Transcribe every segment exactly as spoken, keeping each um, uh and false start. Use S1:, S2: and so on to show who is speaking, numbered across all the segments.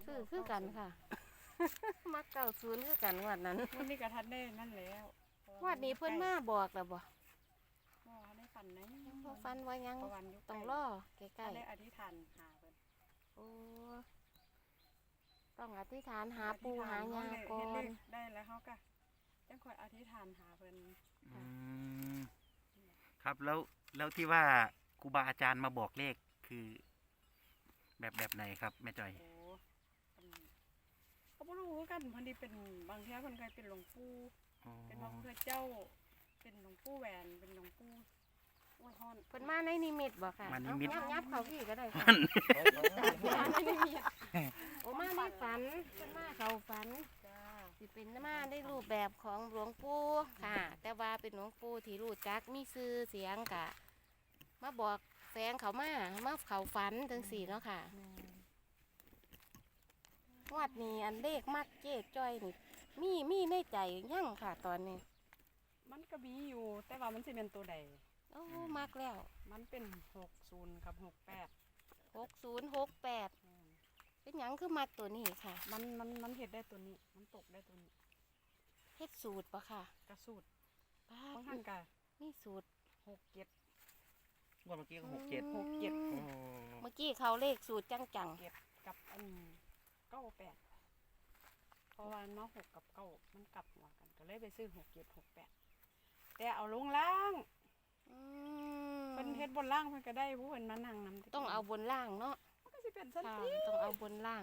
S1: ซื้อคือกันค่ะ มักเก้าศูนย์คือกันงวดนั้น
S2: วันนี้กระทัดได้นั่นแล้ว
S1: งวดนี้เพิ่นมาบอกแล้วบ่
S2: บ่ได้ฝันไหน
S1: พอฟันว่ายัง
S2: ประวันอยู่
S1: ต้องรอใกล้
S2: ได้อธิษฐานหาเพิ่น
S1: ๆโอ้ต้องอธิษฐานหาปูหายาก่อ
S2: เฮ็ดเล
S1: น
S2: ขได้แล้วเฮาก็จังค่อยอธิษฐานหาเพิ่น
S3: อืมครับแล้วแล้วที่ว่าครูบาอาจารย์มาบอกเลขคือ แบบแบบไหนครับแม่จอย
S2: โอ้อันก็บ่รู้คือกันเพิ่นนี่เป็นบางเที่ยเพิ่นเคยเป็นหลวงปู่
S3: อ๋อ
S2: เป็นพระพุทธเจ้า เป็นหลวงปู่แหวนเป็นหลวงปู่อ้วนฮอน
S1: เพิ่นมาในนิมิตบ่ค่ะ
S3: มานิมิต
S1: เอ้ายับๆเข้าพี่ก็ได้ค่ะ
S3: มัน
S2: มาในนิมิต
S1: โอ้มาในฝันเพิ่นมาเข้าฝัน
S2: จ้า
S1: สิเป็นมาได้รูปแบบของหลวงปู่ค่ะ แต่ว่าเป็นหลวงปู่ที่รู้จักมีชื่อเสียงกะมาบอกแฝงเขามามาเขาฝันถึงสี่เนาะค่ะงวดนี้อันเลขมักเจ๊จ้อยนี่มีมีในใจยั่งค่ะตอนนี้
S2: มันก็มีอยู่ แต่ว่ามันสิเป็นตัวใด
S1: โอ้มักแล้ว
S2: มันเป็นหกศูนย์กับหกแปด
S1: หกศูนย์หกแปดเป็นหยังคือมักตัวนี้ค่ะ
S2: มันมันมันเห็ดได้ตัวนี้ มันตกได้ตัวนี้
S1: เฮ็ดสูตรปะค่ะ
S2: กระสูด
S1: ป้า
S2: บางท่านกะ
S1: มีสูตร
S2: หกเจ็ด
S3: งวดเมื่อกี้ก็หกเจ็ด
S2: หกเจ็ด
S1: อื
S3: โอ้
S1: มเมื่อกี้เขาเลขสูตรจังจัง
S2: เจ็ดกับอันเก้าแปดเพราะว่าน้องหกกับเก้ามันกลับหัวกันก็เลยไปซื้อหกเจ็ดหกแปดแต่เอาลงล่าง
S1: ๆอืม
S2: เป็นเฮ็ดบนล่างเพิ่นก็ได้ผู้เพิ่นมานั่งนำ
S1: ต้องเอาบนล่างเนาะ
S2: มันก็สิเป็นสั้น
S1: ค่ะ
S2: ที่
S1: ต้องเอาบนล่าง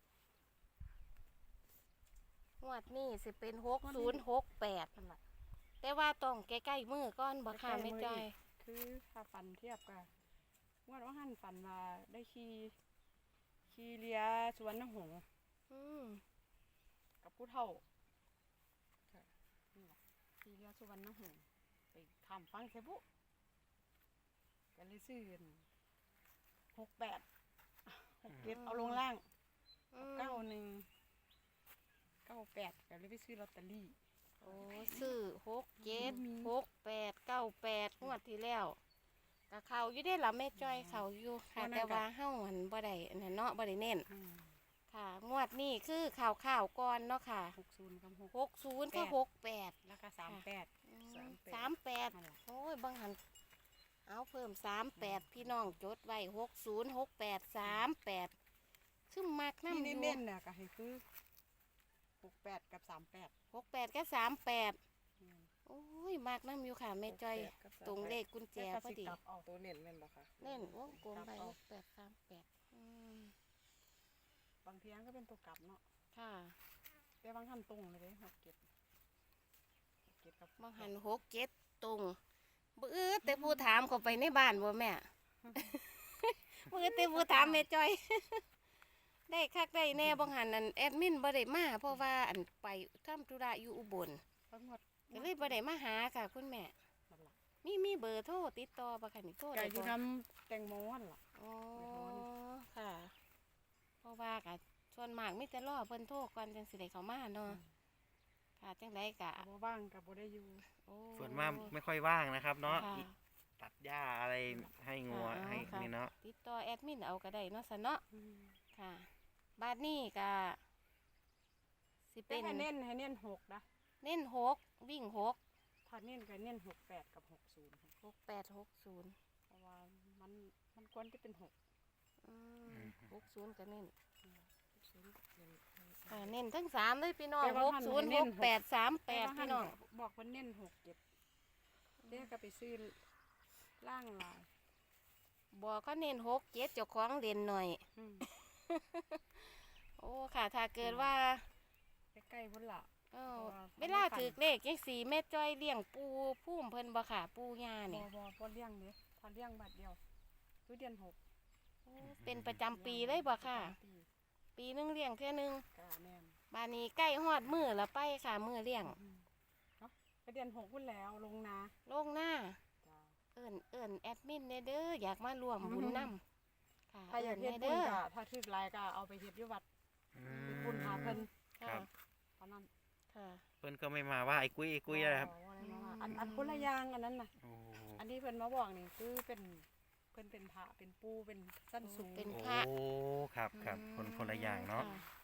S1: งวดนี้สิเป็นหกศูนย์หกแปด
S2: นั่นล่ะ
S1: แต่ว่าต้องใกล้ๆมือก้อนบ่ค่ะ
S2: ใกล้ๆ
S1: ไม่
S2: มือ
S1: จอย
S2: อีก คือถ้าฟันเทียบกันว่าว่าหันฟันมาได้ขี่ขี่เรือสวนหงส์
S1: อืม
S2: กับผู้เฒ่าค่ะนี่ล่ะขี่เรือสวนหงส์ไปทำฟังเสบุก็เลยซื้อหกแปดหกเจ็ดเอาลงล่าง
S1: อืม
S2: เก้าหนึ่งเก้าแปดก็เลยไปซื้อลอตเตอรี่
S1: โอ้ซื้อหกเจ็ด
S2: มี
S1: หกแปดเก้าแปดงวดที่แล้วก็เขาอยู่ได้ละแม่จ้อยเขาอยู่ค่ะ แต่ว่าเฮ้าหันบ่ได้อันนั้นเนาะบ่ได้เน้น
S2: อืม
S1: ค่ะ งวดนี้คือข่าวข่าวก่อนเนาะค่ะ
S2: หกศูนย์กับหก
S1: หกศูนย์ก็หกแปด
S2: แล้วก็สามแปด สามแปด
S1: สามแปด
S2: นั่นล่ะ
S1: โอ้ยบางหันเอาเพิ่มสามแปดพี่น้องจดไว้หกศูนย์หกแปดสามแปดซึ่งมัก
S2: ที่
S1: น้ำอยู่
S2: เน้นๆเนี่ยก็ให้คือหกแปดกับสามแปด
S1: หกแปดก็สามแปดโอ้ยมักน้ำอยู่ค่ะแม่จ้อยตรงเลขกุญแจพอดี
S2: กลับเอา
S4: ตัวเน้นแม่นบ่คะ
S1: เล่นวงกลมไป
S2: กลับเอา
S1: หกแปดสามแปดอืม
S2: บางเทียงก็เป็นตัวกลับเนาะ
S1: ค่ะ
S2: แต่บางท่านตรงเลยเด้หกเก็บหกเก็บกับบ
S1: างหันหกเจ็ดตรงบื้อแต่ผู้ถามเขาไปในบ้านบ่แม่ บื้อแต่ผู้ถามแม่จ้อย ได้คักได้แน่บางหันนั่นแอดมินบ่ได้มาเพราะว่าอันไปทำธุระอยู่อุบล
S2: ทั้งหมด
S1: ก็เลยบ่ได้มาหาค่ะคุณแม่
S2: นั่นล่ะ
S1: มีมีเบอร์โทรติดต่อบ่คะนี่โทร
S2: ไก่
S1: ได้
S2: อยู่
S1: บ่
S2: น้ำแตงโมนั่นล่ะ
S1: อ๋อ
S2: ไปโทรนี่
S1: ค่ะ เพราะว่าก็ส่วนมากมีแต่รอเพิ่นโทรก่อนจังสิได้เข้ามาเนาะค่ะจังไดก็
S2: บ่ว่างกับบ่ได้อยู่
S1: โอ้
S3: ส่วนมากไม่ค่อยว่างนะครับเนาะ
S1: ค่ะ
S3: ตัดหญ้าอะไรให้งัว
S1: ค่ะ
S3: ให้
S1: ค่ะ
S3: นี่เนาะ
S1: ติดต่อแอดมินเอาก็ได้เนาะซะเนาะค่ะบาดนี้ก็สิ
S2: เป็
S1: เป็น น
S2: ให้เน้นให้เน้นหกนะ
S1: เน้นหกวิ่งหก
S2: ถ้าเน้นก็เน้นหกแปดกับหกศูนย์
S1: หกแปดหกศูนย์
S2: เพราะว่ามันมันควรจะเป็นหก
S1: อืมหกศูนย์ก็เน้น
S2: ศูนย์เน้น
S1: ค่ะเน้นทั้งสามเลยพี่น้อง
S2: แต่ว่า
S1: หก
S2: ท่าน
S1: ศูนย์
S2: เน้
S1: ห
S2: น
S1: ก
S2: หก
S1: แปดสามแปด
S2: ต่ว่า
S1: พี่น้อง
S2: บอกว่าเน้นหกเก็บเดี๋ยวก็ไปซื้อล่างลาย
S1: บอกก็เน้นหกเจ็ดเจ้าของเด่นหน่อย
S2: อืม
S1: โอ้ค่ะ ถ้าเกิดว่า
S2: ใกล้ๆพุ่นละ
S1: เอ้า
S2: เพราะว่า
S1: เวลาถือเลขยังสีแม่จ้อยเลี้ยงปูพุ่มเพิ่นบ่ค่ะปูย่า
S2: บ่
S1: เนี่ย
S2: บ่บ่เลี้ยงเด้พอเลี้ยงบัดเดียวทุเดือนหก
S1: โอ้เป็นประจำปีเลยบ่ค่ะ
S2: ประจำปี
S1: ปีหนึงเลี้ยงเท่านึง
S2: กะแม่น
S1: บานนี้ใกล้ฮอดมือแล้วไปค่ะมือเลี้ยง
S2: อืมเนาะก็เดือนหกพุ่นแล้วลงนา
S1: โลงหน้า
S2: จ้า
S1: เอิ้นเอิ้นแอดมินเด้อเด้ออยากมารวมบุญนํค่ะ
S2: ถ้าอยากเฮ็ด
S1: เด้
S2: บุญ
S1: อ
S2: ก็ถ้าถึกหลายก็เอาไปเฮ็ดอยู่วัด
S3: อื
S2: เฮ็ดบุญหาเพิ่น
S1: ค่ะ
S3: ครับ
S2: เท่านั้น
S1: ค่ะ
S3: เพิ่นก็ไม่มาว่าไอ้กุ้ยไอ้กุ้ยนะครับ
S2: บ่อะไรมาว่าอันอันคนละอย่างอันนั้นน่ะ
S3: โอ้
S2: อันที่เพิ่นมาบอกนี่คือเป็นเพิ่นเป็นพระเป็นปู่เป็นสั้นสูง
S1: เป็น
S3: โอ้
S1: พระ
S3: ครับครับคนคนละอย่างเนาะ
S1: ค่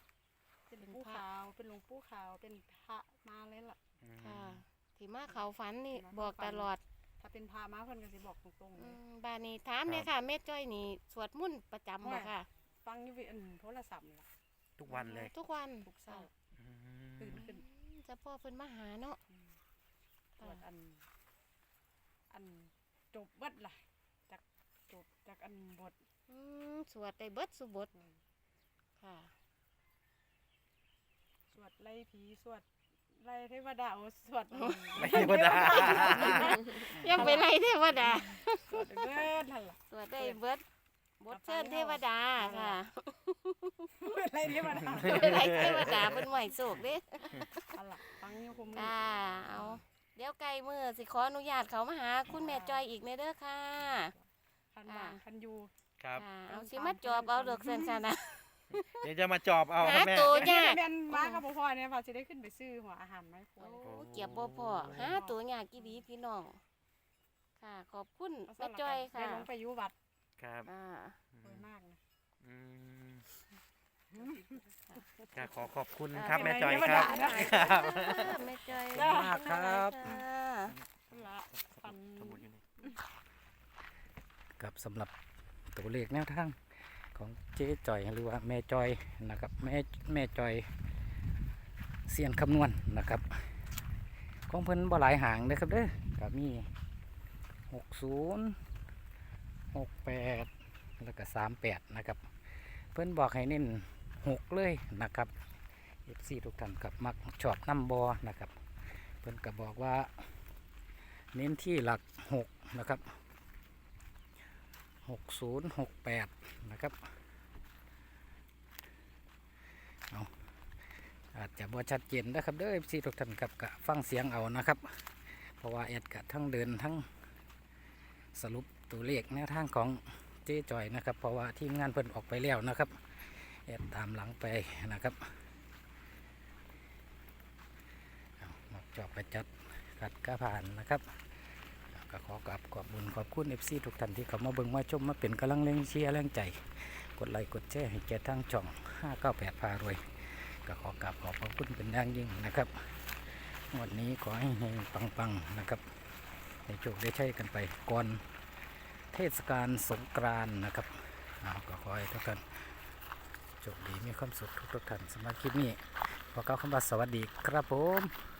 S2: เป็นหลวงปู่ขาวเป็นหลวงปู่ขาวเป็นพระมาเลยล่ะ
S3: อืม
S1: ค่ะที่มาเขาฝันนี่
S2: ที่มา
S1: บอก
S2: เข้าฝั
S1: ต
S2: น
S1: ลอด
S2: ถ้าเป็นพระมาเพิ่นก็สิบอกตรงๆ
S1: อื
S2: เลย
S1: มบ้านนี้ถามเนี่ยค่ะแม่จ้อยนี่สวดมนต์ประจำบ่ค่ะ
S2: ฟังอยู่วิอันโทรศัพท์นี่ล่ะ
S3: ทุกวันเลย
S1: ทุกวัน
S2: ทุกเช้า
S3: อื
S2: ตื่น
S3: ม
S2: ขึ้น
S1: อืมเจะพ่อเพิ่นมาหาเนาะ
S2: อืมตรวจอัน อันจบเบิดล่ะจากจบจากอันบท
S1: อืมสวดได้เบิดสุบท
S2: อืม
S1: ค่ะ
S2: สวดไล่ผีสวดไล่เทวดาโอ้สวด
S3: ไม่ธรรมดา
S1: ยังไปไล่เทวดา
S2: สวดเบิดนั่นล่ะ
S1: สวดได้เบิดบทเชิญเทวดาค่ะ
S2: ไล่เทวดา
S1: ไล่เทวดาเป็นไหวโศกเด้
S2: อันล่ะฟังอยู่คุมอ
S1: ค่ะเอาเดี๋ยวไกลมือสิขออนุญาตเขามาหาคุณแม่จอยอีกในเด้อค่ะ
S2: คันว่างคันอยู่
S3: ครับ
S1: ค่ะเอาสิมาจอบเอาดอกเซนซะนะ
S3: เดี๋ยวจะมาจอบเอาค
S1: หา
S3: รับแม่
S1: ตัว
S2: แม่
S1: ยาก
S2: แม่นมากับพ่อเนี่ยพอสิได้ขึ้นไปซื้อหัวอาหารไหมาให้ค
S1: โอ้
S2: วาย
S1: เกียบบ่พอหาตัวยากกี่ดีพี่น้อง ค่ะ ขอบคุณ
S2: เอา
S1: แม่
S2: สำหรับ
S1: จอย
S2: การได้
S1: ค่ะ
S2: ลงไปอยู่วัด
S3: ครับ
S1: อ่า
S2: สวยมากนะ
S3: อืมก็ขอขอบคุณ
S1: อ่า
S3: ครับ
S2: เดี๋
S3: แม่
S2: ยว
S3: จอย
S2: เดี๋ยว
S3: ครับ
S2: มาด่านะ
S3: ครับ
S1: แม่จอย
S2: จ้า
S3: มากครับ
S1: ค่ะ
S2: ละฟัน
S3: สมุดอยู่นี่
S4: กับสำหรับตัวเลขแนวทางของเจ๊จอยหรือว่าแม่จอยนะครับแม่แม่จอยเสียนคำนวณนะครับของเพิ่นบ่หลายหางนะครับเด้อก็มีหกศูนย์หกแปดแล้วก็สามแปดนะครับเพิ่นบอกให้เน้นหกเลยนะครับเอฟซีทุกท่านกับมักชอบน้ำบอนะครับเพิ่นก็บอกว่าเน้นที่หลักหกนะครับหกศูนย์หกแปดนะครับเอาอาจจะบ่ชัดเจนนะครับเด้อซีทุกท่านครับกะฟังเสียงเอานะครับ เพราะว่าแอดกะทั้งเดินทั้งสรุปตัวเลขแนวทางของเจ๊จอยนะครับ เพราะว่าทีมงานเพิ่นออกไปแล้วนะครับแอดตามหลังไปนะครับเอามาจอบไปจัดกัดกระผ่านนะครับก็ขอกราบขอบบุญขอบคุณเอฟซีทุกท่านที่เข้ามาเบิ่งมาชมมาเป็นกำลังแรงเชียร์แรงใจ กดไลค์กดแชร์ให้แก่ทางช่องห้าเก้าแปดพารวยก็ขอกราบขอบพระคุณเป็นอย่างยิ่งนะครับวันนี้ขอให้เฮงปังๆนะครับให้โชคได้ใช้กันไปก่อนเทศกาลสงกรานต์นะครับเอาก็ขอให้ทุกท่านโชคดีมีความสุขทุกๆท่านสำหรับคลิปนี้ขอกล่าวคำว่าสวัสดีครับผม